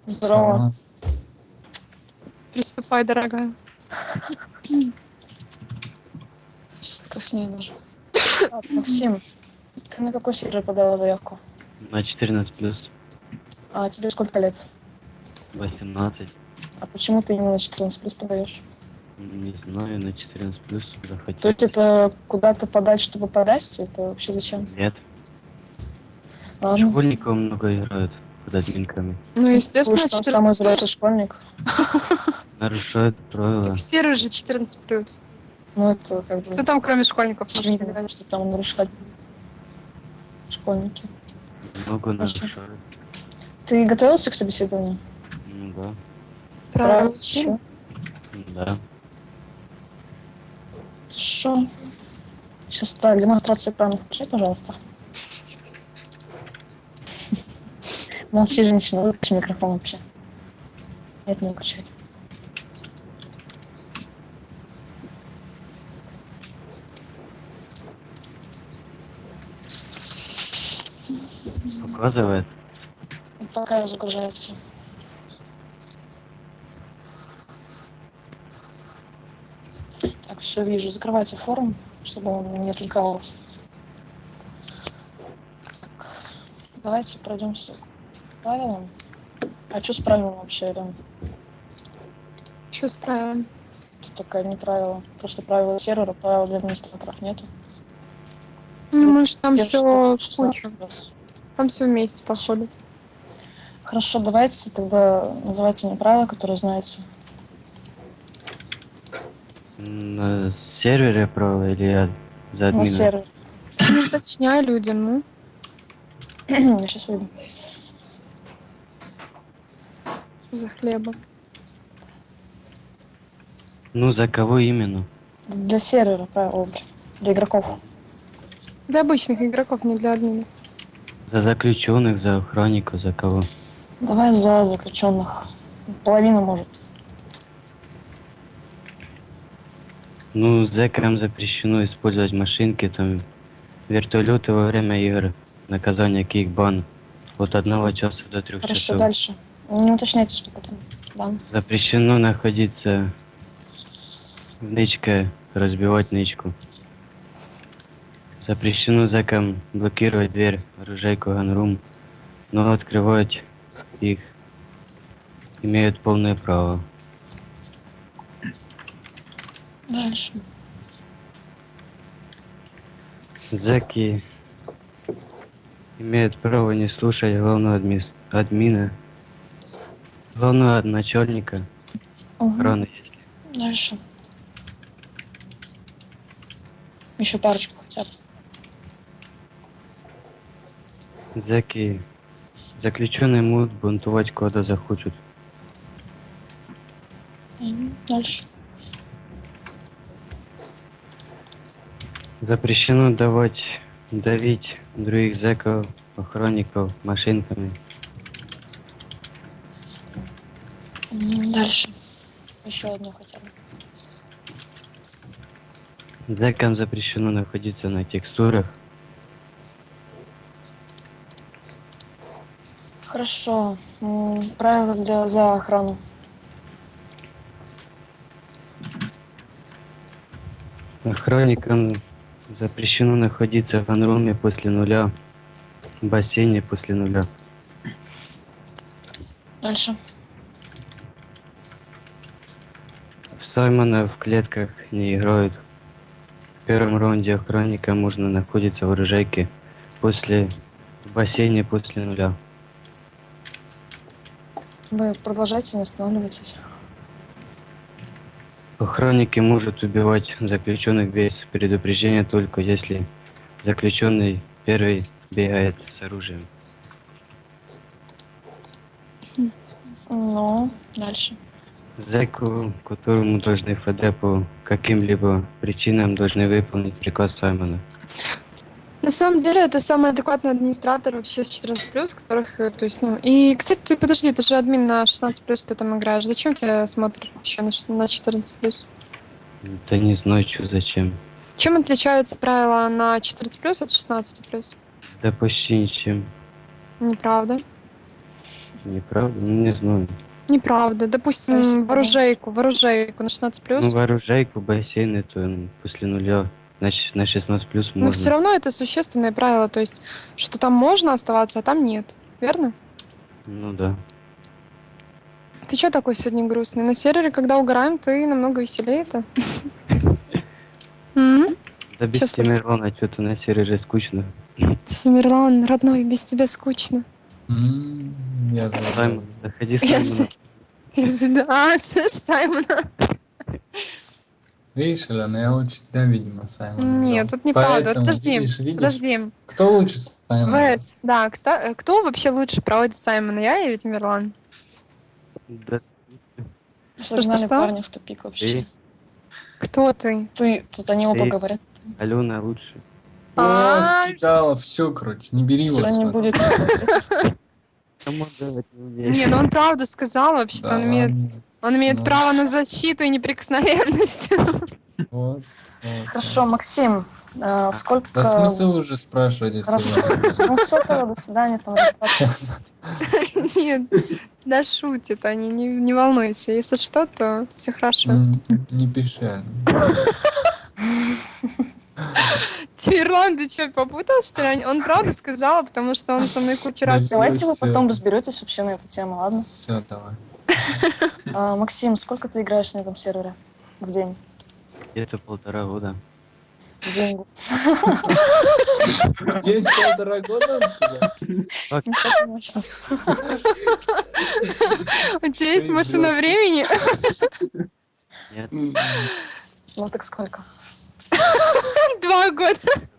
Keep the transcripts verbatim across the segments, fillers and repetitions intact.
Здорово. Приступай, дорогая. Краснею даже. А, Максим, ты на какой сервер подала заявку? На четырнадцать плюс. А тебе сколько лет? восемнадцать. А почему ты именно на четырнадцать плюс подаешь? Не знаю, на четырнадцать плюс То захотел. есть это куда-то подать, чтобы подать? Это вообще зачем? Нет. Ладно. Школьников много играют под админками. Ну, Ты естественно, что, самый четырнадцать взрослый плюс. школьник? Нарушают правила. Все же четырнадцать плюс. Ну это как бы Кто там, кроме школьников, может очевидно, играть? что там нарушать школьники. Много Хорошо. нарушают. Ты готовился к собеседованию? Ну да. Правильно. Еще. Да. Хорошо. Сейчас так, демонстрацию экрана включи, пожалуйста. Молчи, женщина, выключи микрофон вообще. Нет, не выключай. Показывает. Пока загружается. Так, все вижу. Закрывайте форум, чтобы он не отвлекался. Так, давайте пройдемся к правилам. А что с правилом вообще, Элен? Что с правилами? Тут такая не правило. Просто правила сервера, правил для администраторов нету. Ну, может, там Держишь все в шестнадцать кучу. плюс. Там все вместе, походу. Хорошо, давайте тогда называйте мне правила, которые знаете. На сервере правила или я за На админа? сервер. Ну, уточняй людям, ну. Я сейчас выйду. Что за хлеба? Ну за кого именно? Для сервера правила, для игроков. Для обычных игроков, не для админов. За заключенных, за охранников, за кого? Давай за заключенных. Половина может. Ну, зэкам запрещено использовать машинки, там, вертолеты во время игр. Наказание кикбан от одного часа до трех Хорошо, часов. дальше. Не уточняйте, что потом. Бан. Запрещено находиться в нычке, разбивать нычку. Запрещено зэкам блокировать дверь, оружейку, ганрум, но открывать их имеют полное право. Дальше. Зэки имеют право не слушать главного адми... админа, главного начальника Угу. охраны. Дальше. Еще парочку хотя бы. Зэки заключенные могут бунтовать, куда захочут. Угу. Дальше. Запрещено давать, давить других зэков, охранников машинками. Угу. Дальше. Еще одну хотя бы. Зэкам запрещено находиться на текстурах. Хорошо. М, Правила для за охрану. Охранникам запрещено находиться в ганруме после нуля, в бассейне после нуля. Дальше. В Саймона в клетках не играют. В первом раунде охранника можно находиться в оружейке после в бассейне после нуля. Вы продолжайте, не останавливайтесь. Охранники могут убивать заключенных без предупреждения только если заключенный первый бегает с оружием. Ну, дальше. Зэку, которому должны эф дэ по каким-либо причинам должны выполнить приказ Саймона. На самом деле, это самый адекватный администратор вообще с четырнадцать плюс, которых, э, то есть, ну... И, кстати, ты, подожди, ты же админ на шестнадцать плюс, ты там играешь. Зачем тебе смотришь еще на, ш- на четырнадцать плюс? Да не знаю, что зачем. Чем отличаются правила на четырнадцать плюс от шестнадцати плюс? Да почти ничем. Неправда. Неправда? Ну, не знаю. Неправда. Допустим, Конечно. ворожейку, ворожейку на шестнадцать плюс. Ну, вооружейку, бассейн, это м, после нуля. Значит, на шестнадцать плюс Но можно. все равно это существенное правило, то есть, что там можно оставаться, а там нет. Верно? Ну да. Ты чё такой сегодня грустный? На сервере, когда угораем, ты намного веселее-то. М? Да без Чё случилось? Тимирона что-то на сервере скучно. Тимирлан, родной, без тебя скучно. М, Я же Саймон, заходи, Я Саймон. с- я с- А, слышь, Саймона. Видишь, Алена, я лучше тебя, видимо, Саймон. Нет, играл. тут неправда. Поэтому, Подожди, видишь, видишь, подожди. кто лучше Саймона? ВС, да, кста- кто вообще лучше проводит Саймона, я или Тимирлан? Да Что, что, Загнали что? парня в тупик вообще. ты, Кто ты? Ты, тут они оба Ты. говорят. Алена лучше. А, Вот, кидала, все, короче, не бери его. Все не сюда. будет. Кому давать не умеешь? Не, ну он правду сказал вообще-то, Да он имеет, ладно, он имеет ну, право на защиту и неприкосновенность. Вот, вот, Хорошо, Максим, а, сколько... Да смысл уже спрашивать, если Хорошо. ладно. Ну все, тогда до свидания. Там результаты. Нет, да шутит они, не, не волнуйся. Если что, то все хорошо. М, Не пиши, Алена. Тимирлан, ты что, попутал, что ли? Он правду сказал, потому что он со мной кучу Да раз... всё, Давайте вы всё. потом разберетесь вообще на эту тему, ладно? Все, давай. А, Максим, сколько ты играешь на этом сервере в день? Где-то полтора года. В день. День полтора года, он сказал? Ну, всё конечно. У тебя есть Ты машина врёшь. времени? Нет. М, Ну так сколько? Два года.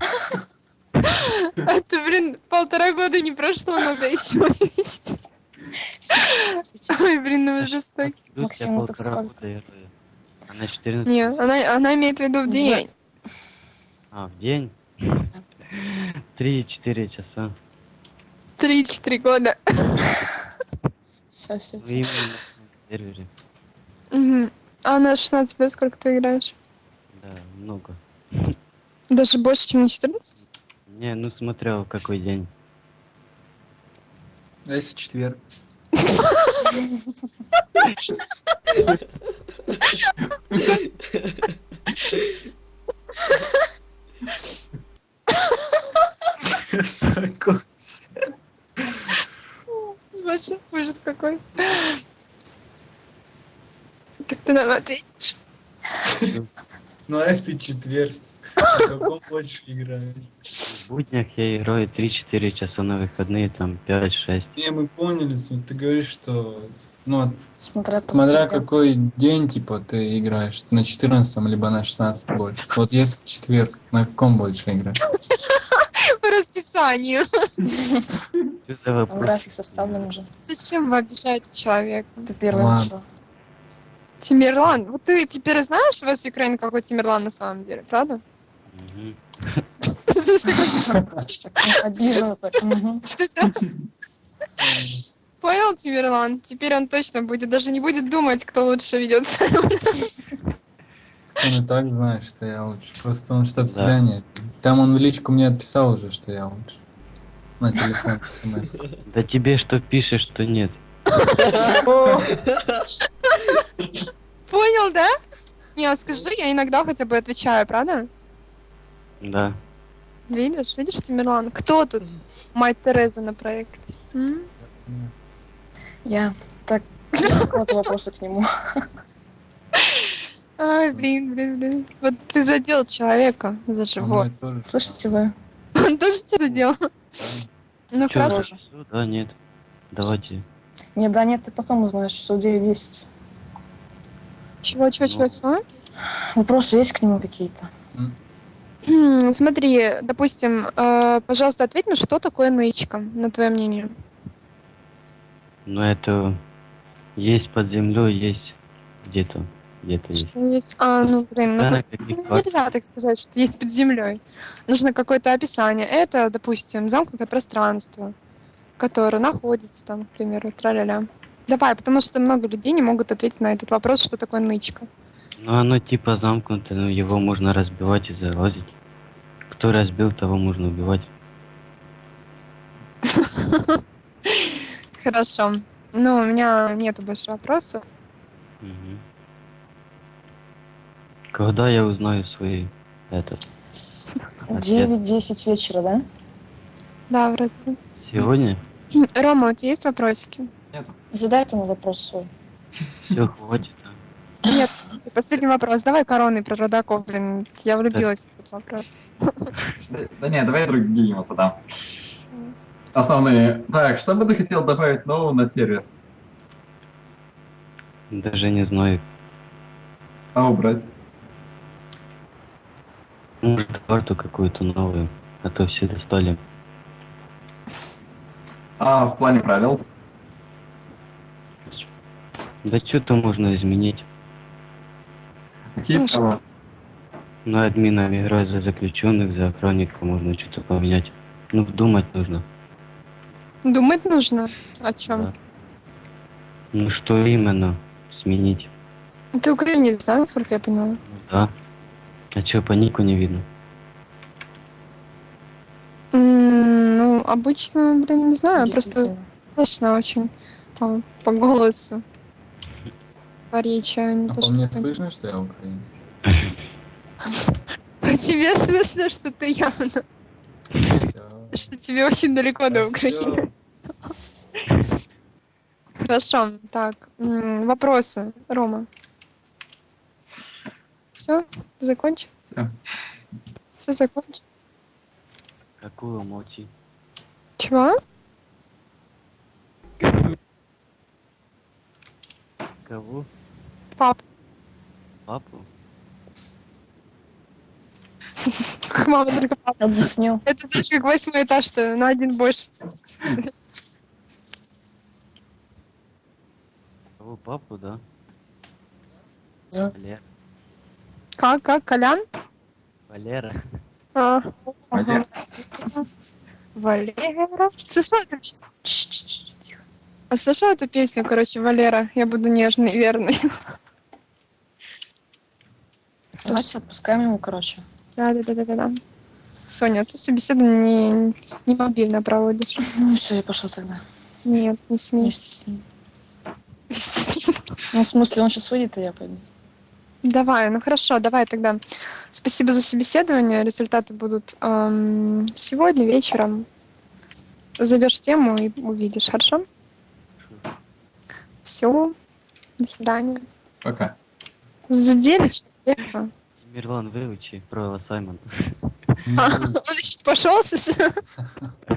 Это, блин, полтора года не прошло, надо еще увидеть. Ой, блин, ну вы жестокий. Идут я Максим, ну так полтора сколько? года играю. А на четырнадцать. Не, она, она имеет в виду в день. А, в день? Три-четыре часа. Три-четыре года. Все, все, Ну, все. именно на сервере. Мгм. А на шестнадцать плюс сколько ты играешь? Да, много. Даже больше, чем на четырнадцать? Не, ну смотрел, какой день. А если четверг? Успокойся. Боже, ужас какой. Как ты нам ответишь? Ну а если четверг? В каком больше играешь? В буднях я играю три-четыре часа, на выходные там пять-шесть. Не, мы поняли, в смысле, ты говоришь, что... Ну, Смотря, там смотря какие какой день, типа, ты играешь, на четырнадцатом либо на шестнадцатом больше. Вот если в четверг, на каком больше играешь? По расписанию. Что за там вопрос? график составлен уже. Зачем вы обижаете человека? Ты первый Ладно. начал. Тимирлан. Вот ты теперь знаешь в вас Украине какой Тимирлан на самом деле, правда? Мгм. Так обиженно так. Мгм. Понял, Тимирлан? Теперь он точно будет, даже не будет думать, кто лучше ведется. Он и так знает, что я лучше. Просто он чтоб Да. тебя нет. Там он в личку мне отписал уже, что я лучше. На телефон смс. Да тебе что пишешь, что нет. Понял, да? Не, а скажи, я иногда хотя бы отвечаю, правда? Да. Видишь, видишь, Тимирлан? Кто тут мать Тереза на проекте? М? Я. Так, какого-то вопроса к нему. Ай, блин, блин, блин. Вот ты задел человека за Со живот. мной тоже. Слышите вы? Он тоже тебя задел? Ну Чё, хорошо. запишу? Да, нет. Давайте. Не, да нет, ты потом узнаешь, что девять десять. Чего, чего, чего, чего? Вопросы есть к нему какие-то? Хм, Смотри, допустим, э, пожалуйста, ответь мне, что такое нычка, на твое мнение? Но это есть под землей, есть где-то. Где-то есть. Что есть? А, ну, блин, ну, Да, как- каких ну, фактов? нельзя так сказать, что есть под землей. Нужно какое-то описание. Это, допустим, замкнутое пространство, которое находится там, к примеру, тра-ля-ля. Давай, потому что много людей не могут ответить на этот вопрос, что такое нычка. Ну оно типа замкнутое, но его можно разбивать и залазить. Кто разбил, того можно убивать. Хорошо. Ну, у меня нету больше вопросов. Мгм. Когда я узнаю свой этот ответ? девять-десять вечера, да? Да, вроде бы. Сегодня? Рома, у тебя есть вопросики? Нету. Задай ему вопрос свой. Все, хватит. а? Нет. Последний вопрос. Давай короны про родаков, блин. Я Так, влюбилась в этот вопрос. Да, да не, давай другие ему задам. Основные. Так, что бы ты хотел добавить нового на сервер? даже не знаю. А убрать? Может, карту какую-то новую, а то все достали. А в плане правил? Да что-то можно изменить. Какие Ну, правила? На админами играть за заключенных, за охранника можно что-то поменять. Ну, думать нужно. Думать нужно. О чем? Да. Ну, что именно сменить? Ты украинец, да, насколько я поняла? Ну, да. А что, по нику не видно? М, Ну, обычно, блин, не знаю, просто Действительно. слышно очень по, по голосу, по речи, а не А то, по что мне ты- слышно, что я украинец? По тебе слышно, что ты явно, Всё. что тебе очень далеко до Да Украины. всё. Хорошо, так, м, вопросы, Рома. Все, закончил? Всё. Все закончил? Какую молчи? Чего? Кого? Пап, Папу? как мама только пап. Объясню. Это знаешь, как восьмой этаж, что на один больше. Кого? Папу, да? Да. Валера. Как, как, Колян? Валера. А, Валер. Валера. Слышала эту песню? Чш-чш-чш, тихо. А слышала эту песню, короче, Валера? Я буду нежный и верный. Давайте отпускаем его, короче. Да, да, да, да, да, да. Соня, ты собеседование не, не мобильно проводишь. Ну все, я пошла тогда. Нет, не смей. Вместе с ним. Ну, в смысле, он сейчас выйдет, и я пойду. Давай, ну хорошо, давай тогда. Спасибо за собеседование. Результаты будут эм, сегодня вечером. Зайдешь в тему и увидишь, хорошо? Все. До свидания. Пока. Задели человека. Мирлан, выучи про Саймон. А, он еще не пошел, слушай.